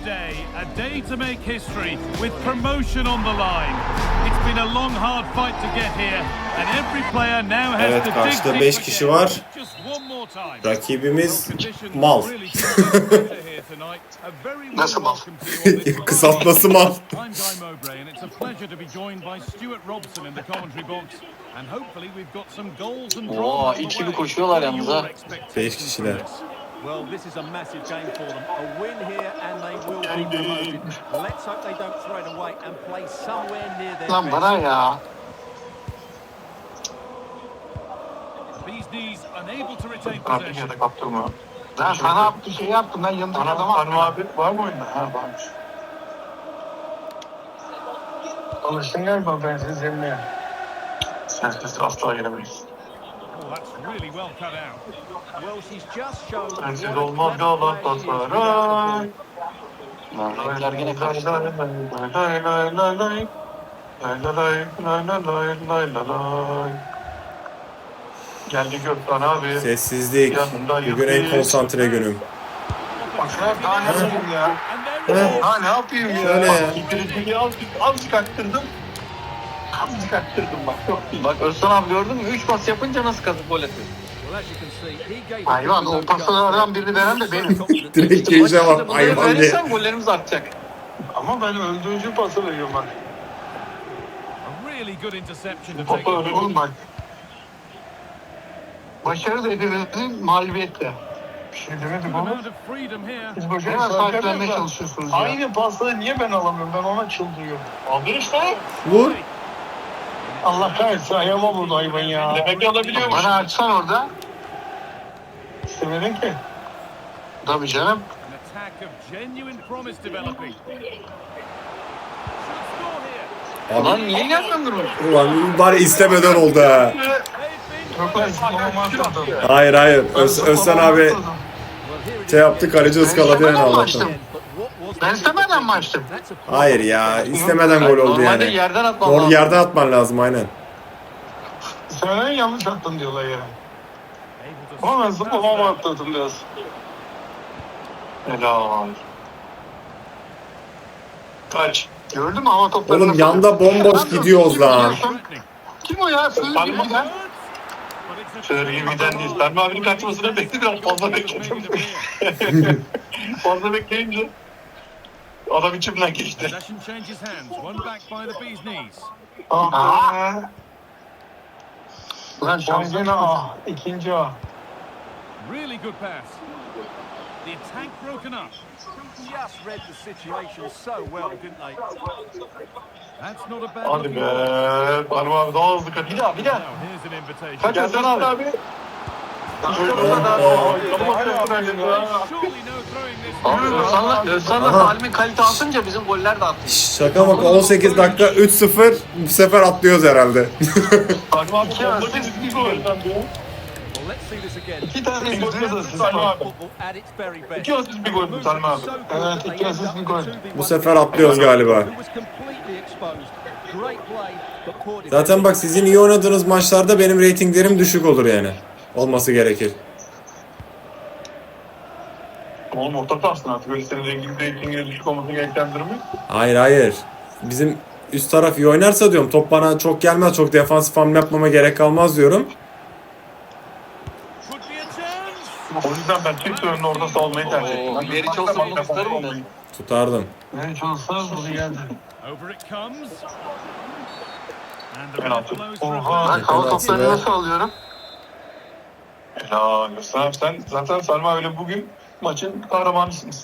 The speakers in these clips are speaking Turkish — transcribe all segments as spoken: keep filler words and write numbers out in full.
day, a day to make history with promotion on the line. It's been a long hard fight to get here and every player now has Evet, to karşıda dig beş deep kişi again. var. Just one more time. Rakibimiz mal. Nasıl mal? Kısaltması mal. I'm Guy Mowbray and it's a pleasure to be joined by Stuart Robson in the commentary box and hopefully we've got some goals and drama Oo, on the ikili way. koşuyorlar yalnız ha. Beş kişiler. Well, this is a massive game for them. A win here and they will be promoted. Let's hope they don't throw it away and play somewhere near their Lan best. bana ya. These knees unable to retain Kaptım possession. ya da kaptırma. Ben sana bir şey yaptım. Ben yanındaki Hanım, adama hanım abi var mı oyunda? Ha varmış. Alıştın galiba ben siz emniyet. Sensiz asla gelemeyiz. Oh, that's really well cut out. Well, she's just shown Sensiz what a olmaz clever Galatasaray. player she is. Lan renkler gene kaçtı. Lay lay lay lay lay. Lay lay lay lay lay lay lay lay lay. Geldi Gökhan abi. Sessizlik. Bugün en konsantre günüm. Bak şuna daha ne yapayım ya? Ha ne yapayım ya? Şöyle ya. İkinciliği az, az çıkarttırdım. Az çıkarttırdım bak. Çok iyi. Bak Özcan abi gördün mü? üç pas yapınca nasıl kazıp gol atıyor. Well, as you can see, he gave hayvan o paslardan birini veren de benim. Direkt geleceğim Maçta bak bunları hayvan diye. verirsen gollerimiz artacak. Ama ben öldürücü pası veriyorum bak. A really good interception to take. Topu öyle Oğlum bak. Başarı da hepimizin mağlubiyetle. bir şey demedik Good oğlum. amount of freedom here. Biz boşuna Hemen sahiplenmeye sahiplenmeye çalışıyorsunuz ya. Aynı pasları niye ben alamıyorum? Ben ona çıldırıyorum. Abi işte. Vur. Allah kahretsin ayağıma vurdu hayvan ya. Demek ki alabiliyormuş. Bana açsan orada. İstemedin ki. Tabii canım. An attack of genuine promise developing. Should score here. Lan niye yapmıyorsun bunu? Ulan bari istemeden oldu ha. They've been Çok ben zıplamama atladım. Hayır hayır. Öz, Özcan abi şey yaptı, kaleci ıskaladı yani Ben Allah'tan. açtım. Ben istemeden mi açtım? Hayır ya, istemeden gol oldu Normalde yani. yerden atman Doğru lazım. yerden atman lazım aynen. Sen yanlış attın diyorlar ya. able to Ama ben skip past zıplamama that. atladım biraz. Helal. Kaç. Gördün mü hava toplarını? Oğlum yanda bomboş gidiyoruz lan. Threatening. Kim o ya? Sığır Ben- gibi ya. But it's a Şöyle gibiden değil. Ben abinin kaçmasını bekledim. Biraz fazla bekledim. made it appear. Fazla bekleyince adam içimden geçti. Possession changes hands. One back by the bee's knees. Aa. Ulan Şansına şansın ah. İkinci ah. Really good pass. The attack broken up. just read the situation so well, didn't they? That's not a bad Hadi looking be. ball. Hanım abi daha hızlı kaç. Bir daha bir daha. Now here's an invitation. Kaç Özcan abi? abi. İşte bu kadar. Surely no throwing this. Abi Özcan'la Özcan'la Aha. Salim'in kalite atınca bizim goller de attı. Şaka bak, on sekiz dakika üç sıfır, bu sefer atlıyoruz herhalde. Hanım abi bomba kesin gol. Well, let's see this again. İki tane gol yazasın Salim abi. Football at its very best. İki asist bir gol mü Salim abi? Evet, iki asist bir gol. Bu sefer atlıyoruz galiba. Who was completely exposed. Great play, but poor Zaten bak, sizin iyi oynadığınız maçlarda benim reytinglerim düşük olur yani. Olması gerekir. Oğlum orta sahasın artık. Öyle senin rengin reytingine düşük olması gereken durum yok. Hayır hayır. Bizim üst taraf iyi oynarsa diyorum, top bana çok gelmez, çok defansif hamle yapmama gerek kalmaz diyorum. Could be a chance. O yüzden ben çift önünü orada salmayı tercih ettim. Oo, Meriç olsa bunu tutarım ben. Tutardım. Ben çalışsam bunu geldi. Over it comes. And the Penaltı. red blows Oha. for a Ben hava toplarını nasıl alıyorum? Helal olsun. Sen zaten Salim abiyle bugün maçın kahramanısınız.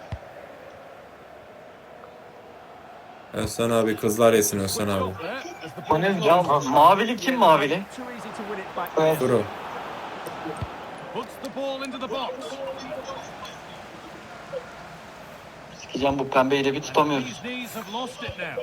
Özcan abi, kızlar yesin Özcan abi. O ne Ya mavili kim mavili? Too easy to win it back there. Kuru. Puts the ball into the box. Sikeceğim bu pembeyi de bir tutamıyoruz. These knees have lost it now.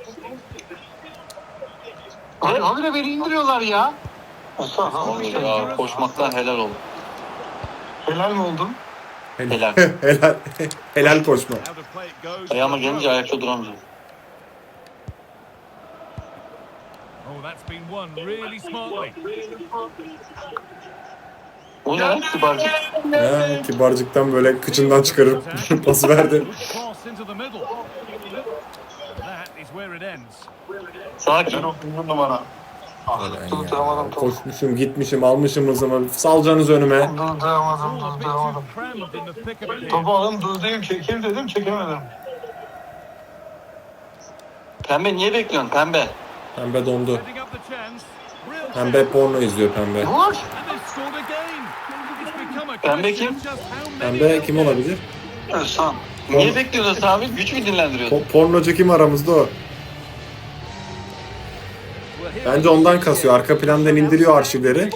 Abi, abi de beni indiriyorlar ya. Vallahi ya, koşmaktan helal oldu. Helal mi oldun? Helal. Helal. Helal koşma. Out of play it goes. Ayağıma gelince ayakta duramayacağım. Oh, that's been won really smartly. O ne lan kibarcık? Ya, kibarcıktan böyle kıçından çıkarıp pası verdi. Good cross into the middle. That is where it ends. Sakin. Ben o bir numara. Durduramadım topu. Koşmuşum, gitmişim, almışım hızımı. Salcanız önüme. Durduramadım, All a bit too durduramadım. crammed in the thick of it here. Topu alın durdurayım çekeyim dedim çekemedim. Pembe niye bekliyorsun pembe? Pembe dondu. Setting up the chance. Real Pembe porno izliyor pembe. Vur. And they've scored again. It's become a Pembe question kim? of just how many Pembe of kim them. olabilir? Özcan. Niye bekliyorsun abi? Güç mü dinlendiriyorsun? Po- pornocu kim aramızda o? Bence ondan kasıyor. Arka plandan indiriyor arşivleri.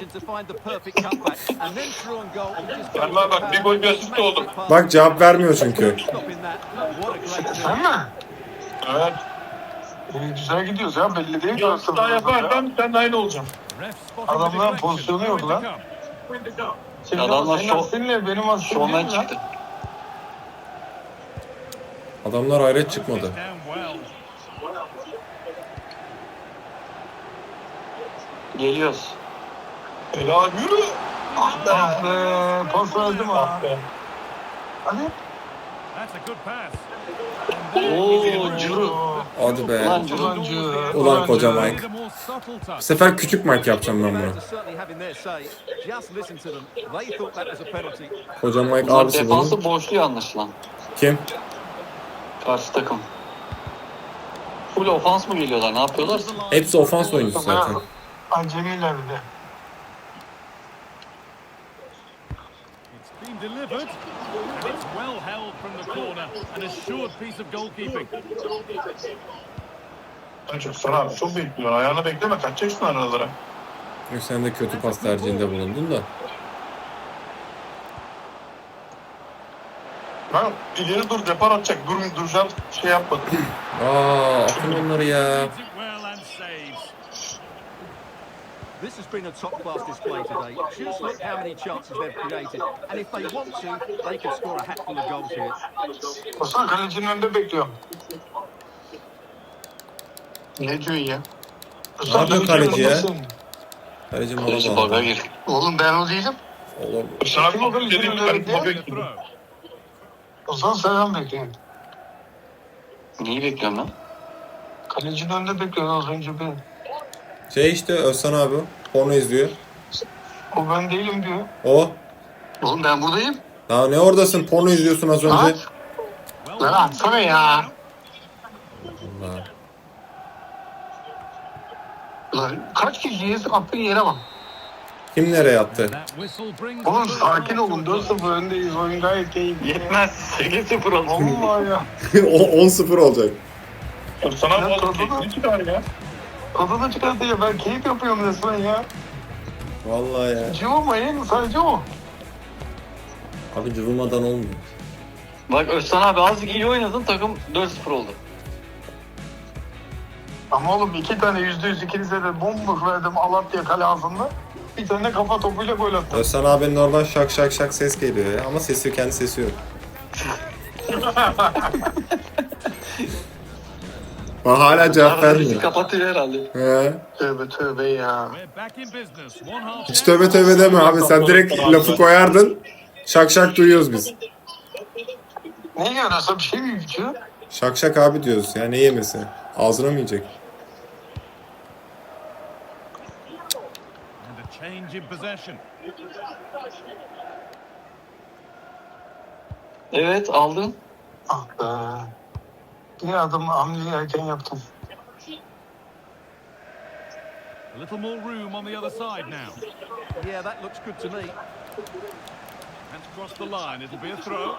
Vallahi bak, bir gol bir asist oldu. Bak cevap vermiyor çünkü. Sen mi? Evet. Ee, güzel gidiyoruz ya belli değil mi? Bir daha yaparsan sen de aynı olacaksın. Ref spotting the Adamların deflection. pozisyonu yok lan. Way to come. Senin, Adamlar senin şov- asistinle benim asistim Şovmen değil mi lan? çıktı. Adamlar hayret çıkmadı. Down well. Geliyoruz. Helal yürü. Ah be, pas verdim ha. Ah be. Hadi. That's a good pass. Oo Curu. Hadi be. Ulan Curu. Ulancı. Ulan koca ulancı. Mike. The more subtle touch. Bu sefer küçük Mike yapacağım ben bunu. Koca Mike Bunlar abisi bunun. defansı boşluyor anlaşılan. Kim? Karşı takım. Full ofans mı geliyorlar? Ne yapıyorlar? Hepsi ofans oyuncusu zaten. Acemiler bir de. It's been delivered. And it's well held from the corner. An assured piece of goalkeeping. Ben çok sana abi çok bekliyorsun. Ayağını bekleme, kaçacaksın aralara. Sen de kötü pas tercihinde bulundun da. Ben ileri dur, depar atacak. Dur, duracağım, şey yapmadım. Aa, atın onları ya. Reads it well and saves. This has been a top-class display today. Just look how many chances they've created. And if they want to, they can score a hatful of goals here. Osman kalecinin önünde bekliyorum. Ne diyorsun ya? Ne yapıyor kaleci ya? önündesin. Kaleci Kaleci mola baga bağlı. gir. Oğlum ben o değilim. Oğlum. Sana Kim o bir kalecinin dediğim önünde gibi bekleyen? bekliyorum. Throw. Osman sen bekliyorum. Neyi bekliyorum lan? Kalecinin önünde bekliyorum az önce ben. Şey işte Özcan abi. Porno izliyor. O ben değilim diyor. O. Oğlum ben buradayım. Daha ne oradasın? Porno izliyorsun az önce. At. Lan atsana ya. Allah. Lan kaç kişiyiz attığın yere bak. Kim nereye attı? That whistle brings Oğlum the sakin first olun. half dört sıfır öndeyiz. Oyun gayet keyifli. Yetmez. sekiz sıfır oldu. Vallahi ya. O- on sıfır olacak. Sana Ya, bu tadı da- arada çıkar ya. Tadını çıkartıyor. Ben keyif yapıyorum resmen ya. Vallahi ya. Cıvımayın sadece o. Abi cıvımadan olmuyor. Bak Özcan abi azıcık iyi oynadın takım dört sıfır oldu. Ama oğlum iki tane yüzde yüz ikinize de bomboş verdim Alatya kale ağzında. Bir tane kafa topuyla gol attım. Özcan abinin oradan şak şak şak ses geliyor ya. Ama sesi kendi sesi yok. Aa, hala cevap Arada bizi vermiyor. kapatıyor herhalde. He. Tövbe tövbe ya. We're back in business. One half. Hiç tövbe tövbe deme abi. Sen direkt lafı koyardın. Şak şak duyuyoruz biz. Ne yiyorsa bir şey mi içiyor? Şak şak abi diyoruz ya. Ne yemesi? Ağzına mı yiyecek? And a change in possession. Evet aldın. Ah be. Bir adım hamleyi erken yaptım. A little more room on the other side now. Yeah, that looks good to me. Hands crossed the line. It'll be a throw.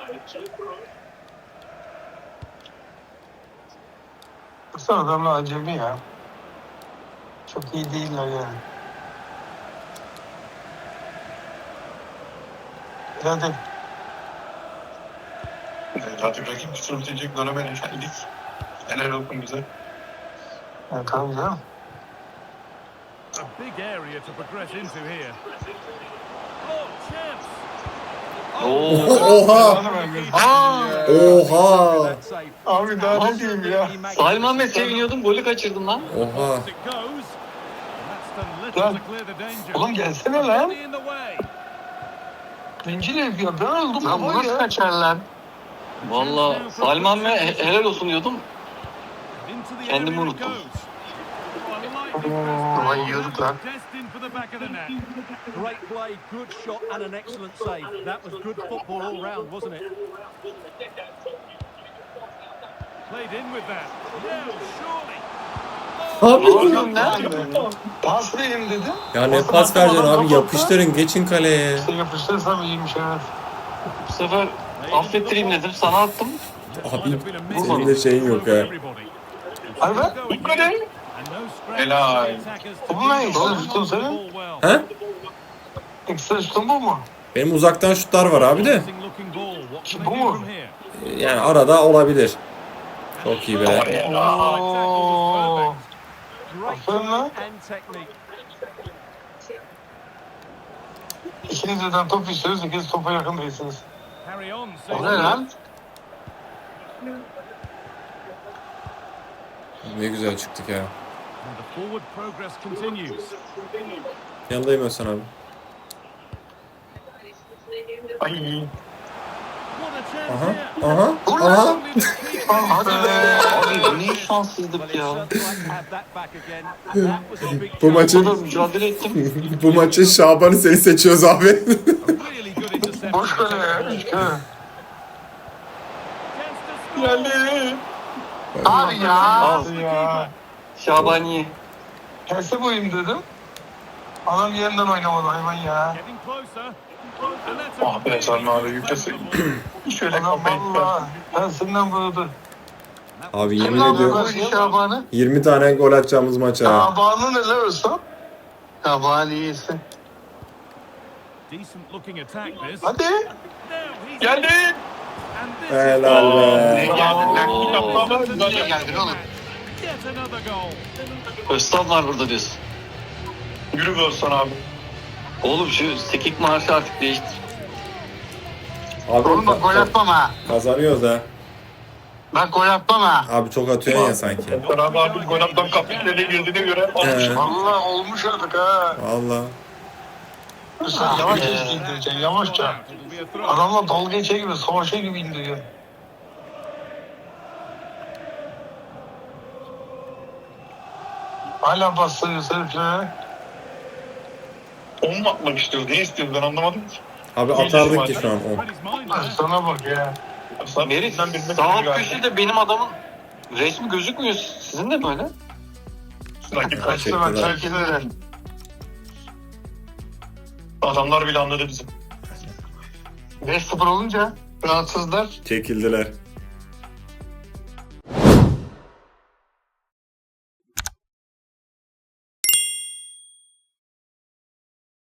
Baksana adamlar acemi ya. Çok iyi değiller yani. Hadi. Artık rakip kusur bitecek döneme geldik. Helal olsun bize. Ya, tamam canım. A big area to progress into here. Oh, chance. Oo. Oha! Aa! Oha! That save. Abi daha ne diyeyim ya. Salim Ahmet seviniyordum golü kaçırdın lan. Oha! It goes. And that's done little Lan. to clear the danger. Oğlum gelsene lan. Only in the way. Bencil herif ya. Ben öldüm Lan bu baba nasıl ya. kaçar lan? Valla Salim abi he- helal olsun diyordum. Into the Kendimi area it unuttum. goes. Oh, a lightning Ulan yiyorduk lan. destined for the back of the net. Great play, good shot and an excellent save. That was good football all round, wasn't it? Played in with that. Now, surely. Abi. Oğlum ne? Pas vereyim dedim. Ya ne pas vereceksin abi, yapıştırın geçin kaleye. İşte yapıştırsam iyiymiş evet. Bu sefer affettireyim dedim sana attım. Abi senin de şeyin yok ha. Hadi be. Helal. Bu ne? Ekstra şutun senin? He? Ekstra şutun bu mu? Benim uzaktan şutlar var abi de. Bu mu? Yani arada olabilir. Çok iyi be. Oo. Great Aferin lan. and technique. İkiniz birden top istiyoruz, ikiniz topa yakın değilsiniz. Carry on. O ne lan? Ne güzel çıktık ya. The forward progress continues. Yanındayım Özcan abi. Ay. What a chance Aha, here. aha, Vur aha. lan. Hadi be. Abi ne şanssızlık Well, ya. it's certainly like to have that back again. And that was a big Bu chance. maçın Burada mücadele ettim. bu maçın Şaban'ı seni seçiyoruz abi. Really good interception. Boş kale ya. Üç kale. Chance to score. Geldi. Abi ya. Al Ya. Şabani. Terse boyayım dedim. Adam yeniden oynamadı hayvan ya. Getting closer. And that's a Ah be Salim abi yüklesin. Şöyle Adam kafayı. valla tersinden vurdu. Abi Kim yemin lan ediyorum bu? Şaban'ı. yirmi tane gol atacağımız maç ha. Tabanı neler olsa? Şaban iyisin. decent looking attack this. Hadi. Now he's Geldi. and this is Helal Ne be. geldin lan? Oo. Yapma. Böyle geldin oğlum. yet another goal. Öztan var burada diyorsun. Yürü be Özcan abi. Oğlum şu sekik marşı artık değiştir. Abi Oğlum bak gol ka- atmam ha. kazanıyoruz ha. Bak gol atmam ha. Abi çok atıyorsun ya sanki. Özcan abi abi gol attan kapitleri girdiğine göre olmuş. He. Valla olmuş artık ha. Valla. Sen yavaş indireceksin yavaşça. It'll be a throw. Adamla dalga geçe gibi, savaşa gibi indiriyor. Hala bastırıyor heriflere. On mu atmak istiyoruz? Ne istiyoruz ben anlamadım ki. Abi atardık ki şu an on. Read his mind there. Sana bak ya. Aslında Merit bizden birine sağ alt galiba. köşede benim adamın resmi gözükmüyor. Sizin de mi öyle? Rakip kaç. Kaçtı ben Teşekkürler. terk ederim. Adamlar bile anladı bizi. beş sıfır olunca rahatsızlar. Çekildiler.